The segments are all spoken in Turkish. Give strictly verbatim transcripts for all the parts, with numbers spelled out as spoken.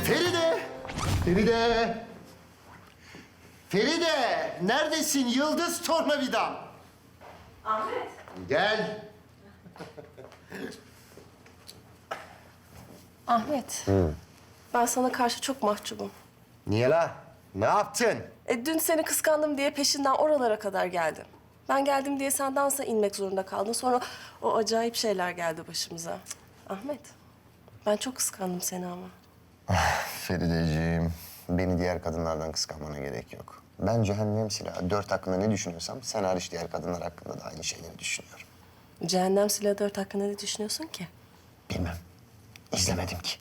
Feride! Feride! Feride! Neredesin yıldız tornavidam? Ahmet. Gel. Ahmet. Ben sana karşı çok mahcubum. Niye la? Ne yaptın? E, dün seni kıskandım diye peşinden oralara kadar geldim. Ben geldim diye sen dansa inmek zorunda kaldın. Sonra o acayip şeyler geldi başımıza. Cık, Ahmet, ben çok kıskandım seni ama. Ferideciğim, beni diğer kadınlardan kıskanmana gerek yok. Ben cehennem silahı dört hakkında ne düşünüyorsam sen hariç diğer kadınlar hakkında da aynı şeyleri düşünüyorum. Cehennem Silahı dört hakkında ne düşünüyorsun ki? Bilmem. İzlemedim ki.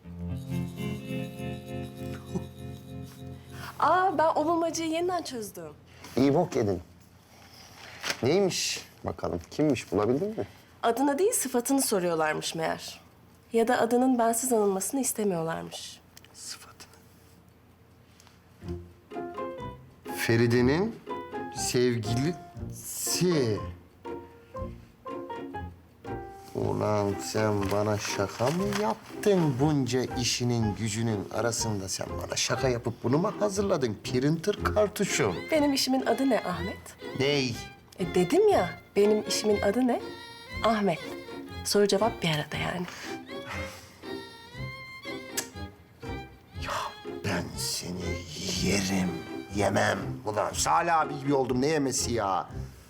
Aa, ben o bulmacayı yeniden çözdüm. İyi bok yedin. Neymiş bakalım? Kimmiş bulabildin mi? Adını değil, sıfatını soruyorlarmış meğer. Ya da adının bensiz anılmasını istemiyorlarmış. Sıfatını. Feride'nin sevgilisi. Ulan sen bana şaka mı yaptın bunca işinin gücünün arasında? Sen bana şaka yapıp bunu mu hazırladın? Printer kartuşum. Benim işimin adı ne Ahmet? Ney? E dedim ya, benim işimin adı ne? Ahmet. Soru cevap bir arada yani. Ben seni yerim, yemem. Ulan Salih abi gibi oldum, ne yemesi ya?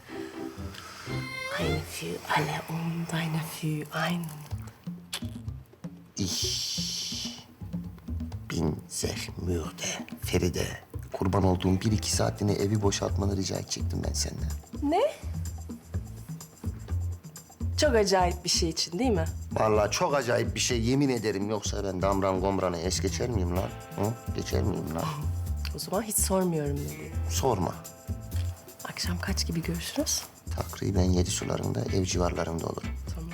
Eine für alle und eine für einen. Ich bin sehr müde. Feride, kurban olduğum bir iki saatliğine evi boşaltmanı rica edecektim ben senden. Ne? Çok acayip bir şey için değil mi? Vallahi çok acayip bir şey, yemin ederim. Yoksa ben damran gomranı es geçer miyim lan? Hı? Geçer miyim lan? O zaman hiç sormuyorum dedi. Sorma. Akşam kaç gibi görüşürüz? Takriben yedi sularında, ev civarlarında olur. Tamam.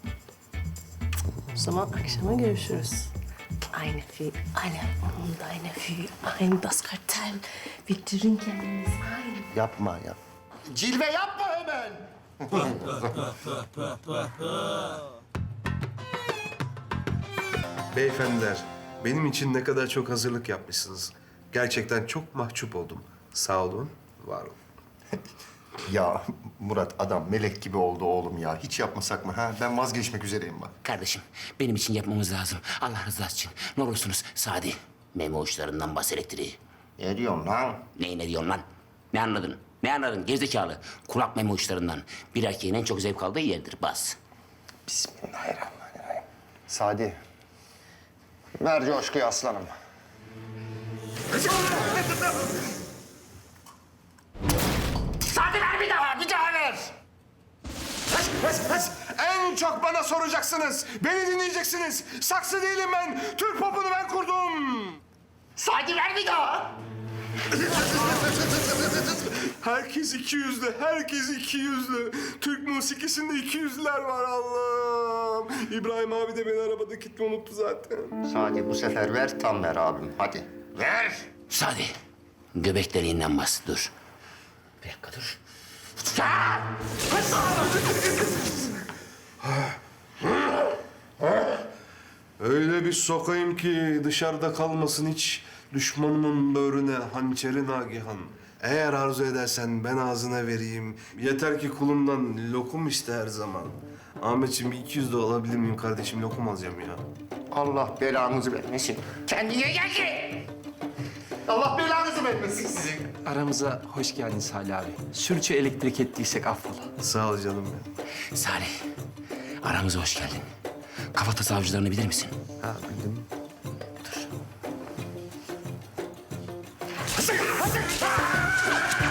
O zaman akşama görüşürüz. Eine für alle und eine für ein das Kartell. Wir trinken uns ein. Yapma yap. Cilve yapma hemen. Beyefendiler, benim için ne kadar çok hazırlık yapmışsınız. Gerçekten çok mahcup oldum. Sağ olun, var olun. Ya Murat, adam melek gibi oldu oğlum ya. Hiç yapmasak mı ha? Ben vazgeçmek üzereyim bak. Kardeşim, benim için yapmamız lazım. Allah rızası için. Ne olursunuz Sadi. Memo uçlarından bas elektriği. Ne diyorsun lan? Ne ne diyorsun lan? Ne anladın? Ne anladın gerizekalı? Kulak memo uçlarından. Bir erkeğin en çok zevk aldığı yerdir. Bas. Bismillahirrahmanirrahim. Sadi, ver coşkuyu aslanım. Sadi ver bir daha, bir daha ver. Pes, pes, pes. En çok bana soracaksınız. Beni dinleyeceksiniz. Saksı değilim ben. Türk popunu ben kurdum. Sadi ver bir daha. Herkes iki yüzlü, herkes iki yüzlü. Türk musikisinde iki yüzlüler var Allah'ım. İbrahim abi de beni arabada kitle unuttu zaten. Sadi bu sefer ver, tam ver abim. Hadi. Ver. Sadi, göbek deliğinden bas. Dur. Bir dakika dur. Öyle bir sokayım ki dışarıda kalmasın hiç düşmanımın böğrüne hançeri nagihan. Eğer arzu edersen ben ağzına vereyim. Yeter ki kulumdan lokum iste her zaman. Ahmetciğim bir iki yüz de alabilir miyim kardeşim? Lokum alacağım ya. Allah belanızı vermesin. Kendine gel ki. Allah belanızı vermesin sizin. Aramıza hoş geldin Salih abi. Sürçü elektrik ettiysek affola. Sağ ol canım ya. Salih, aramıza hoş geldin. Kafatası avcılarını bilir misin? Ha bildim. Dur.